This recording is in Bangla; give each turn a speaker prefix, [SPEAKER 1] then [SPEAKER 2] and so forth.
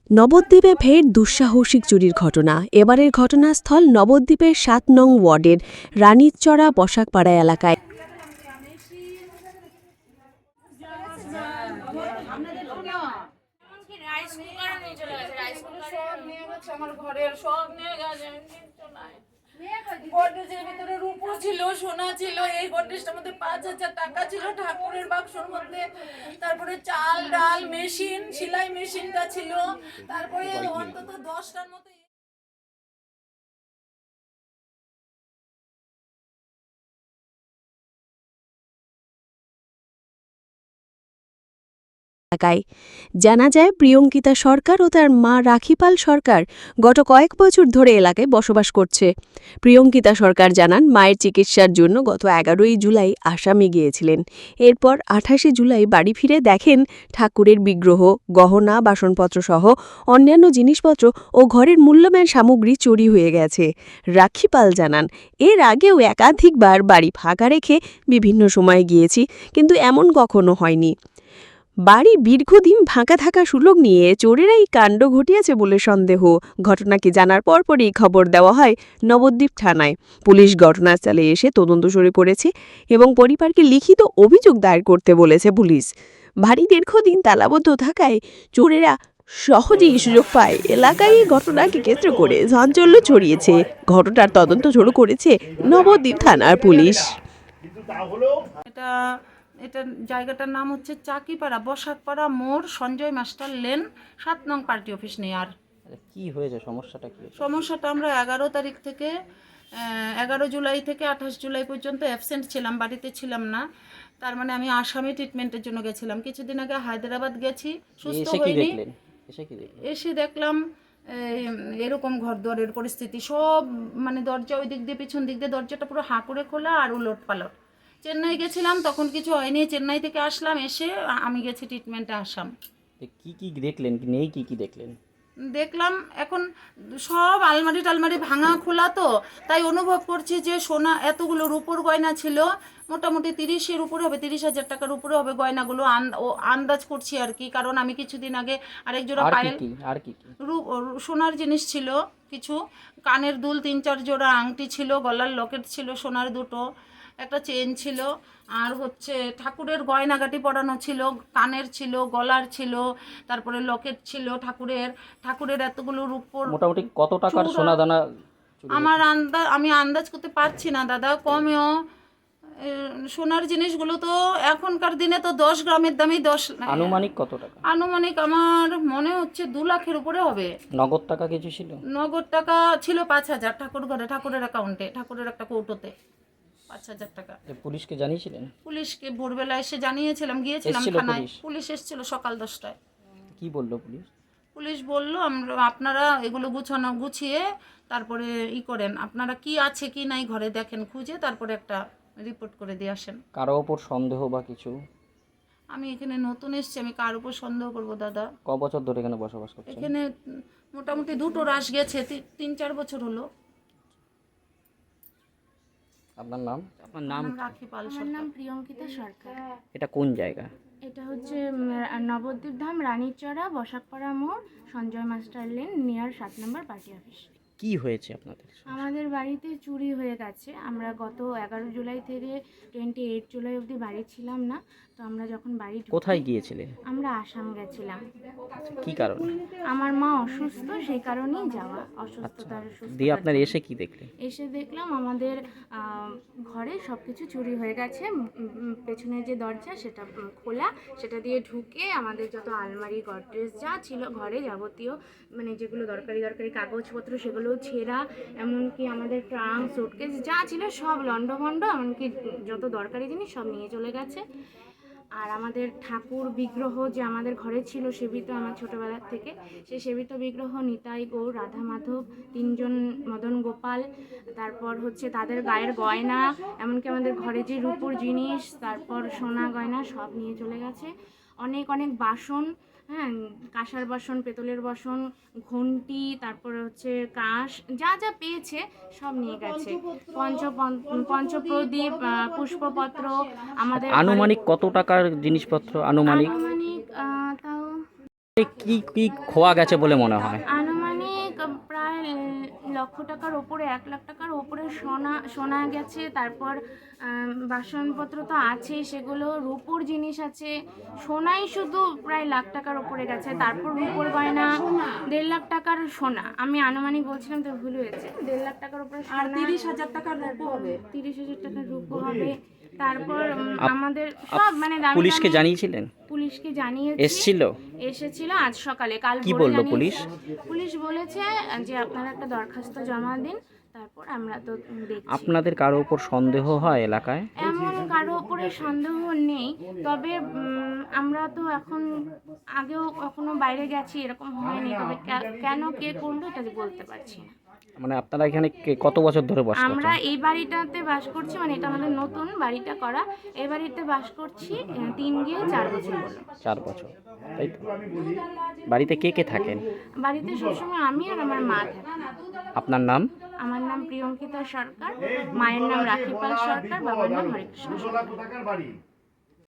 [SPEAKER 1] নবদ্বীপে ফের দুঃসাহসিক চুরির ঘটনা। এবারের ঘটনাস্থল নবদ্বীপের ৭ নং ওয়ার্ডের রানীরচড়া বসাকপাড়া এলাকায়।
[SPEAKER 2] গডরেজের ভিতরে রূপো ছিল, সোনা ছিল। এই গডরেজটার মধ্যে ৫,০০০ টাকা ছিল ঠাকুরের বাক্সর মধ্যে। তারপরে চাল ডাল মেশিন, সেলাই মেশিনটা ছিল। তারপরে অন্তত ১০টার মতো
[SPEAKER 1] এলাকায় জানা যায়, প্রিয়ঙ্কিতা সরকার ও তার মা রাখিপাল সরকার গত কয়েক বছর ধরে এলাকায় বসবাস করছে। প্রিয়ঙ্কিতা সরকার জানান, মায়ের চিকিৎসার জন্য গত ১১ই জুলাই আসামে গিয়েছিলেন। এরপর ২৮শে জুলাই বাড়ি ফিরে দেখেন ঠাকুরের বিগ্রহ, গহনা, বাসনপত্র সহ অন্যান্য জিনিসপত্র ও ঘরের মূল্যবান সামগ্রী চুরি হয়ে গেছে। রাখিপাল জানান, এর আগেও একাধিকবার বাড়ি ফাঁকা রেখে বিভিন্ন সময়ে গিয়েছি, কিন্তু এমন কখনো হয়নি। বাড়ি দীর্ঘদিন ফাঁকা থাকা সুযোগ নিয়ে চোরেরাই কাণ্ড ঘটিয়েছে বলে সন্দেহ। ঘটনাকে জানার পরপরই খবর দেওয়া হয় নবদ্বীপ থানায়। পুলিশ ঘটনাস্থলে এসে তদন্ত শুরু করেছে এবং পরিবারকে লিখিত অভিযোগ দায়ের করতে বলেছে পুলিশ। বাড়ি দীর্ঘদিন তালাবদ্ধ থাকায় চোরেরা সহজেই সুযোগ পায়। এলাকায় এই ঘটনাকে কেন্দ্র করে চাঞ্চল্য ছড়িয়েছে। ঘটনার তদন্ত শুরু করেছে নবদ্বীপ থানার পুলিশ।
[SPEAKER 2] এটা এটা জায়গাটার নাম হচ্ছে চাকিপাড়া, বসাকপাড়া মোড়, সঞ্জয় মাস্টার লেন, ৭ নং পার্টি অফিস নেয়ার।
[SPEAKER 3] কি হয়েছে, সমস্যাটা কি?
[SPEAKER 2] সমস্যাটা আমরা ১১ তারিখ থেকে ১১ জুলাই থেকে ২৮ জুলাই পর্যন্ত অ্যাবসেন্ট ছিলাম, বাড়িতে ছিলাম না। তার মানে আমি আসামে ট্রিটমেন্টের জন্য গেছিলাম। কিছুদিন আগে হায়দ্রাবাদ গেছি, সুস্থ হইনি। এসে দেখলাম এরকম ঘরদুয়ারের পরিস্থিতি, সব মানে দরজা ওই দিক দিয়ে, পিছন দিক দিয়ে দরজাটা পুরো হাঁ করে খোলা আর উলট পালট। চেন্নাই গেছিলাম, তখন কিছু হয়নি। চেন্নাই থেকে আসলাম, এসে আমি গেছি ট্রিটমেন্টে আসাম।
[SPEAKER 3] কি কি দেখলেন, নেই কি কি দেখলেন?
[SPEAKER 2] দেখলাম এখন সব আলমারি টালমারি ভাঙা খোলা, তো তাই অনুভব করছি যে সোনা এতগুলো রূপোর গয়না ছিল, মোটামুটি ৩০-এর উপরে হবে, ৩০,০০০ টাকার উপরে হবে গয়নাগুলো। আন্দাজ করছি আর কি, কারণ আমি কিছুদিন আগে আরেক জোড়া পায়েল সোনার জিনিস ছিল, কিছু কানের দুল ৩-৪ জোড়া, আংটি ছিল, গলার লকেট ছিল সোনার দুটো, একটা চেন ছিল, আর হচ্ছে ঠাকুরের গয়নাগাটি পরানো ছিল, কানের ছিল, গলার ছিল, তারপরে লকেট ছিল ঠাকুরের এতগুলো রূপোর।
[SPEAKER 3] মোটামুটি কত টাকার সোনা দানা?
[SPEAKER 2] আমি আন্দাজ করতে পারছি না দাদা, কমেও সোনার জিনিসগুলো তো এখনকার দিনে তো 10 গ্রামের দামেই 10।
[SPEAKER 3] আনুমানিক কত টাকা?
[SPEAKER 2] আনুমানিক আমার মনে হচ্ছে 2 লাখের উপরে হবে।
[SPEAKER 3] নগদ টাকা কিছু ছিল?
[SPEAKER 2] নগদ টাকা ছিল 5,000 ঠাকুর ঘরে, ঠাকুরের অ্যাকাউন্টে, ঠাকুরের একটা কৌটোতে 5,000 টাকা।
[SPEAKER 3] পুলিশকে জানিয়েছিলেন?
[SPEAKER 2] পুলিশকে ভোরবেলা এসে জানিয়েছিলাম, গিয়েছিলাম থানায়। পুলিশ এসেছিল সকাল 10টায়।
[SPEAKER 3] কি বললো পুলিশ?
[SPEAKER 2] পুলিশ বলল, আপনারা এগুলো গুছিয়ে তারপরে করেন, আপনারা কি আছে কি নাই ঘরে দেখেন, খুঁজে তারপরে একটা রিপোর্ট করে দিয়ে আসেন।
[SPEAKER 3] কারো ওপর সন্দেহ বা কিছু?
[SPEAKER 2] আমি এখানে নতুন এসেছি, আমি কার উপর সন্দেহ করব দাদা?
[SPEAKER 3] ক বছর ধরে এখানে বসবাস করছেন?
[SPEAKER 2] এখানে মোটামুটি 2টো রাশ গেছে, 3-4 বছর হলো।
[SPEAKER 3] আপনার নাম?
[SPEAKER 4] আপনার নাম?
[SPEAKER 2] রাখিপাল।
[SPEAKER 4] আমার নাম প্রিয়ঙ্কিতা সরকার।
[SPEAKER 3] এটা কোন জায়গা?
[SPEAKER 4] এটা হচ্ছে নবদ্বীপ ধাম, রানীরচড়া, বসাকপাড়া মোড়, Sanjay master lane, near ৭ number party office.
[SPEAKER 3] কি হয়েছে আপনাদের?
[SPEAKER 4] আমাদের বাড়িতে চুরি হয়ে গেছে। আমরা গত ১১ জুলাই থেকে 28 জুলাই অবধি বাড়ি ছিলাম না। তো আমরা যখন বাড়ি
[SPEAKER 3] কোথায় গিয়েছিলেন?
[SPEAKER 4] আমরা আসাম গেছিলাম।
[SPEAKER 3] কি কারণে?
[SPEAKER 4] আমার মা অসুস্থ, সেই কারণেই যাওয়া। অসুস্থতার
[SPEAKER 3] দিয়ে আপনার এসে কি দেখলেন?
[SPEAKER 4] এসে দেখলাম আমাদের ঘরে সব কিছু চুরি হয়ে গেছে। পেছনে যে দরজা সেটা খোলা, সেটা দিয়ে ঢুকে আমাদের যত আলমারি, গডরেজ যা ছিল ঘরে যাবতীয়, মানে যেগুলো দরকারি কাগজপত্র সেগুলোও ছেঁড়া, এমনকি আমাদের ট্রাঙ্ক, সুটকেস যা ছিল সব লণ্ডভণ্ড, এমনকি যত দরকারি জিনিস সব নিয়ে চলে গেছে। আর আমাদের ঠাকুর বিগ্রহ যে আমাদের ঘরে ছিল সেবিত, আমার ছোটোবেলার থেকে সেই সেবিত বিগ্রহ, নিতাই, গৌর, রাধা, মাধব, 3জন, মদন গোপাল, তারপর হচ্ছে তাদের গায়ের গয়না, এমনকি আমাদের ঘরে যে রূপোর জিনিস, তারপর সোনা গয়না সব নিয়ে চলে গেছে। অনেক অনেক বাসন, হ্যাঁ, কাঁসার বাসন, পেতলের বাসন, ঘন্টি, তারপরে হচ্ছে কাঁস, যা যা পেয়েছে সব নিয়ে গেছে। পঞ্চপ্রদীপ, পুষ্পপত্র। আমাদের
[SPEAKER 3] আনুমানিক কত টাকার জিনিসপত্র? আনুমানিক
[SPEAKER 4] আনুমানিক
[SPEAKER 3] কি কি খোয়া গেছে বলে মনে হয়?
[SPEAKER 4] আনুমানিক প্রায় লক্ষ টাকার ওপরে, 1 লাখ টাকার ওপরে সোনা গেছে। তারপর বাসনপত্র তো আছেই, সেগুলো রূপোর জিনিস আছে। সোনাই শুধু প্রায় লাখ টাকার ওপরে গেছে। তারপর রূপোর গয়না 1.5 লাখ টাকার সোনা, আমি আনুমানিক বলছিলাম তো ভুল হয়েছে, 1.5 লাখ টাকার উপরে
[SPEAKER 2] আর
[SPEAKER 4] সোনা,
[SPEAKER 2] 30,000 টাকার রূপো হবে।
[SPEAKER 4] 30,000 টাকার রূপো হবে। তারপর আমাদের সব মানে দামি
[SPEAKER 3] পুলিশকে
[SPEAKER 4] দামি-
[SPEAKER 3] জানিয়েছিলেন?
[SPEAKER 4] পুলিশকে জানিয়েছি,
[SPEAKER 3] এসেছিল
[SPEAKER 4] আজ সকালে, কাল
[SPEAKER 3] কি
[SPEAKER 4] ভোরে
[SPEAKER 3] বললো
[SPEAKER 4] জানিয়েছি।
[SPEAKER 3] পুলিশ?
[SPEAKER 4] পুলিশ বলেছে যে আপনারা একটা দরখাস্ত জমা দিন, তারপর আমরা তো দেখছি।
[SPEAKER 3] আপনাদের কারো উপর সন্দেহ হয় এলাকায়?
[SPEAKER 4] এমন কারো উপরে সন্দেহ নেই, তবে আমরা তো এখন আগেও কখনো বাইরে গেছি, এরকম হয়নি। তবে কেন কে করলো এটা বলতে পারছি না।
[SPEAKER 3] মানে আপনারা এখানে কত বছর ধরে বাস
[SPEAKER 4] আমরা
[SPEAKER 3] করছেন?
[SPEAKER 4] এই বাড়িটাতে বাস করছি, মানে এটা আমাদের নতুন বাড়িটা করা, এই বাড়িতে বাস করছি 3 গিয়ে 4 বছর হলো।
[SPEAKER 3] 4 বছর, তাই তো? বাড়িতে কে কে থাকেন?
[SPEAKER 4] বাড়িতে সবসময় আমি আর আমার মা থাকি।
[SPEAKER 3] আপনার নাম?
[SPEAKER 4] আমার নাম প্রিয়ঙ্কিতা সরকার, মায়ের নাম রাখিপাল সরকার, বাবার নাম হরেকৃষ্ণ সরকার।